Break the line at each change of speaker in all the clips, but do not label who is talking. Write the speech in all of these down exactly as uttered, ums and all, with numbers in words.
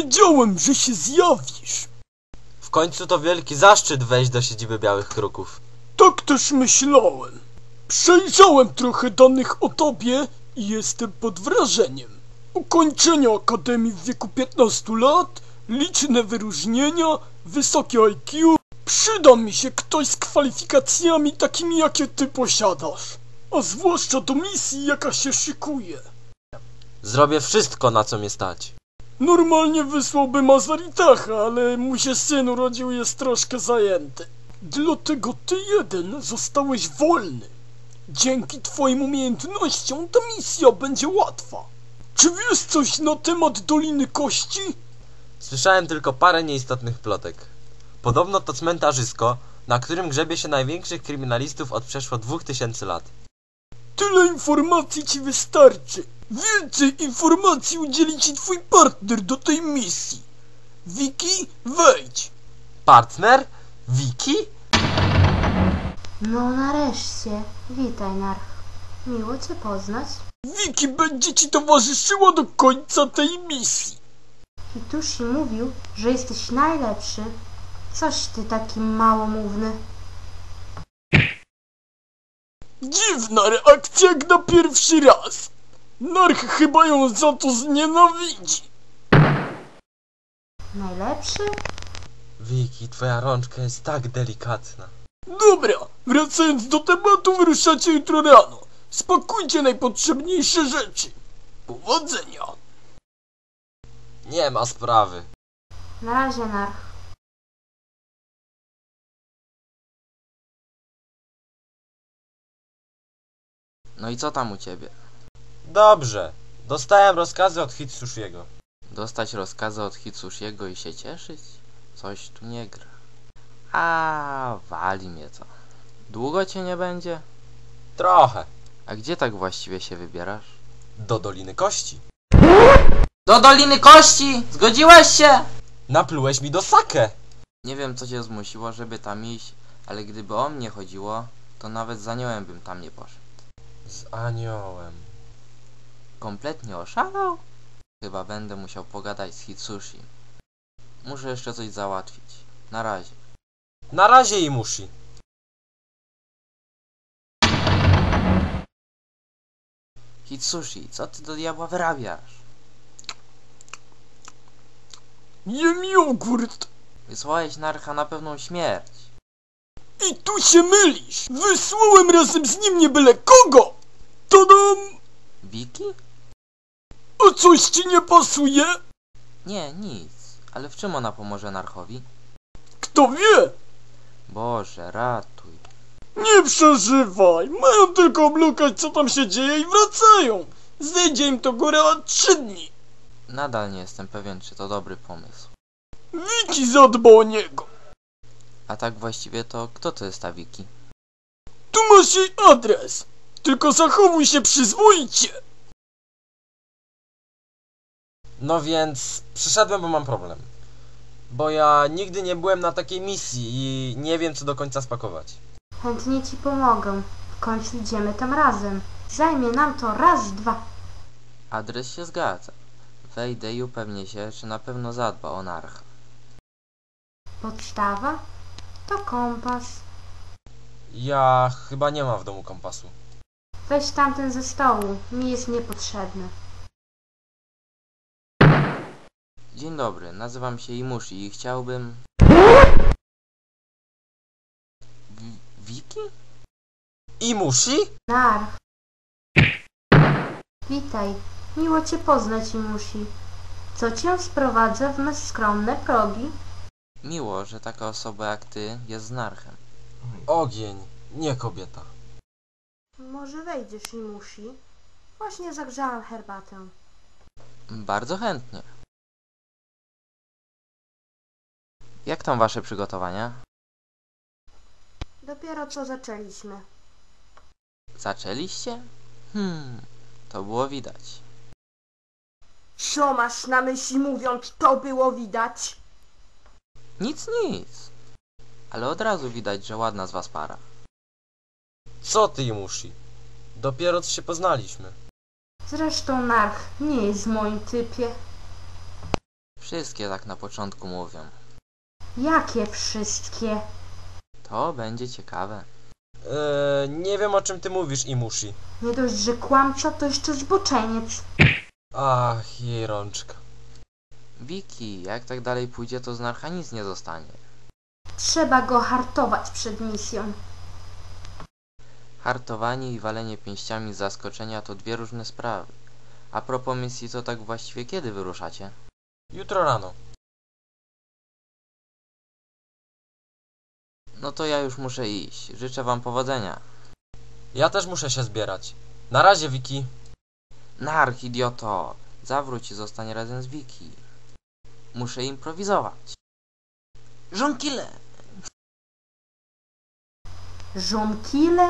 Wiedziałem, że się zjawisz.
W końcu to wielki zaszczyt wejść do siedziby Białych Kruków.
Tak też myślałem. Przejrzałem trochę danych o tobie i jestem pod wrażeniem. Ukończenie akademii w wieku piętnastu lat, liczne wyróżnienia, wysokie I Q. Przyda mi się ktoś z kwalifikacjami takimi, jakie ty posiadasz. A zwłaszcza do misji, jaka się szykuje.
Zrobię wszystko, na co mnie stać.
Normalnie wysłałbym Azaritacha, ale mu się syn urodził i jest troszkę zajęty. Dlatego ty jeden zostałeś wolny. Dzięki twoim umiejętnościom ta misja będzie łatwa. Czy wiesz coś na temat Doliny Kości?
Słyszałem tylko parę nieistotnych plotek. Podobno to cmentarzysko, na którym grzebie się największych kryminalistów od przeszło dwóch tysięcy lat.
Tyle informacji ci wystarczy. Więcej informacji udzieli ci twój partner do tej misji. Wiki, wejdź.
Partner? Wiki?
No nareszcie. Witaj, Narch. Miło cię poznać.
Wiki będzie ci towarzyszyła do końca tej misji.
Hitushi mówił, że jesteś najlepszy. Coś ty taki małomówny.
Dziwna reakcja jak na pierwszy raz. Narch chyba ją za to znienawidzi.
Najlepszy?
Wiki, twoja rączka jest tak delikatna.
Dobra, wracając do tematu, wyruszacie jutro rano. Spakujcie najpotrzebniejsze rzeczy. Powodzenia.
Nie ma sprawy.
Na razie, Narch.
No i co tam u ciebie?
Dobrze. Dostałem rozkazy od Hitsushiego.
Dostać rozkazy od Hitsushiego i się cieszyć? Coś tu nie gra. A wali mnie to. Długo cię nie będzie?
Trochę.
A gdzie tak właściwie się wybierasz?
Do Doliny Kości.
Do Doliny Kości! Zgodziłeś się?
Naplułeś mi do sake.
Nie wiem, co cię zmusiło, żeby tam iść, ale gdyby o mnie chodziło, to nawet z aniołem bym tam nie poszedł.
Z aniołem.
Kompletnie oszalał? Chyba będę musiał pogadać z Hitsushi. Muszę jeszcze coś załatwić. Na razie.
Na razie, Imushi.
Hitsushi, co ty do diabła wyrabiasz?
Jem jogurt.
Wysłałeś Narcha na pewną śmierć.
I tu się mylisz. Wysłałem razem z nim nie byle kogo. Tadam!
Wiki?
A coś ci nie pasuje?
Nie, nic. Ale w czym ona pomoże Narchowi?
Kto wie?
Boże, ratuj.
Nie przeżywaj. Mają tylko oblukać, co tam się dzieje i wracają. Zejdzie im to góra trzy dni.
Nadal nie jestem pewien, czy to dobry pomysł.
Wiki zadba o niego.
A tak właściwie to kto to jest ta Wiki?
Tu masz jej adres. Tylko zachowuj się przyzwoicie.
No więc przyszedłem, bo mam problem. Bo ja nigdy nie byłem na takiej misji i nie wiem, co do końca spakować.
Chętnie ci pomogę. W końcu idziemy tam razem. Zajmie nam to raz, dwa.
Adres się zgadza. Wejdę i upewnię się, czy na pewno zadba o Narcha.
Podstawa? To kompas.
Ja chyba nie mam w domu kompasu.
Weź tamten ze stołu. Mi jest niepotrzebny.
Dzień dobry, nazywam się Imushi i chciałbym... W Wiki?
Imushi?
Narch. Witaj. Miło cię poznać, Imushi. Co cię sprowadza w me skromne progi?
Miło, że taka osoba jak ty jest z Narchem.
Ogień, nie kobieta.
Może wejdziesz, Imushi? Właśnie zagrzałam herbatę.
Bardzo chętnie. Jak tam wasze przygotowania?
Dopiero co zaczęliśmy.
Zaczęliście? Hmm, to było widać.
Co masz na myśli, mówiąc to było widać?
Nic, nic. Ale od razu widać, że ładna z was para.
Co ty, Imushi? Dopiero co się poznaliśmy.
Zresztą Narch nie jest w moim typie.
Wszystkie tak na początku mówią.
Jakie wszystkie?
To będzie ciekawe.
Eee, nie wiem o czym ty mówisz, Imushi.
Nie dość, że kłamca, to jeszcze zboczeniec.
Ach, jej rączka.
Wiki, jak tak dalej pójdzie, to z Narcha nic nie zostanie.
Trzeba go hartować przed misją.
Hartowanie i walenie pięściami z zaskoczenia to dwie różne sprawy. A propos misji, to tak właściwie kiedy wyruszacie?
Jutro rano.
No to ja już muszę iść. Życzę wam powodzenia.
Ja też muszę się zbierać. Na razie, Wiki.
Narch, idioto! Zawróć i zostań razem z Wiki. Muszę improwizować. Żonkile!
Żonkile?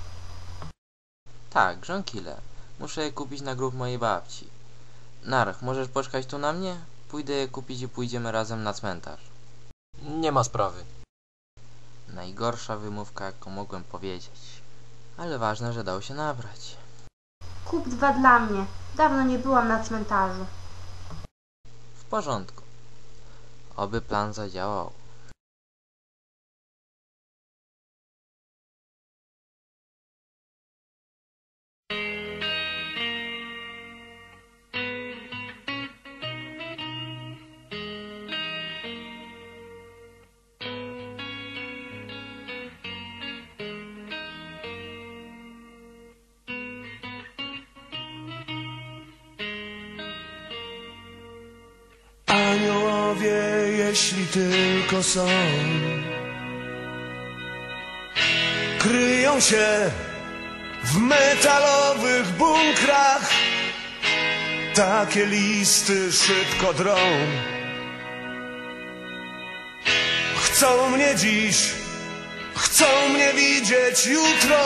Tak, żonkile. Muszę je kupić na grób mojej babci. Narch, możesz poczekać tu na mnie? Pójdę je kupić i pójdziemy razem na cmentarz.
Nie ma sprawy.
Najgorsza wymówka, jaką mogłem powiedzieć. Ale ważne, że dał się nabrać.
Kup dwa dla mnie. Dawno nie byłam na cmentarzu.
W porządku. Oby plan zadziałał.
Aniołowie, jeśli tylko są, kryją się w metalowych bunkrach. Takie listy szybko drą. Chcą mnie dziś, chcą mnie widzieć jutro.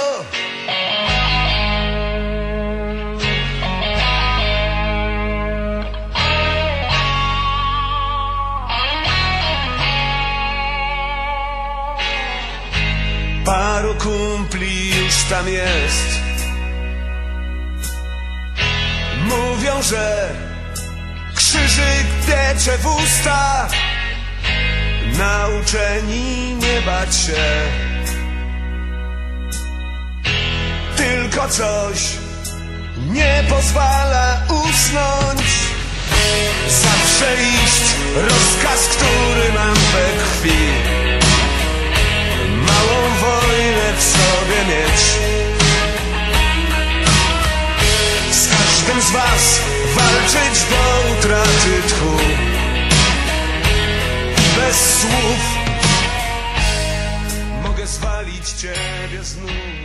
Paru kumpli już tam jest. Mówią, że krzyżyk piecze w usta. Nauczeni nie bać się. Tylko coś nie pozwala usnąć. Zawsze iść, rozkaz, który mam we krwi. Małą wojnę w sobie mieć. Z każdym z was walczyć do utraty tchu. Bez słów mogę zwalić ciebie z nóg.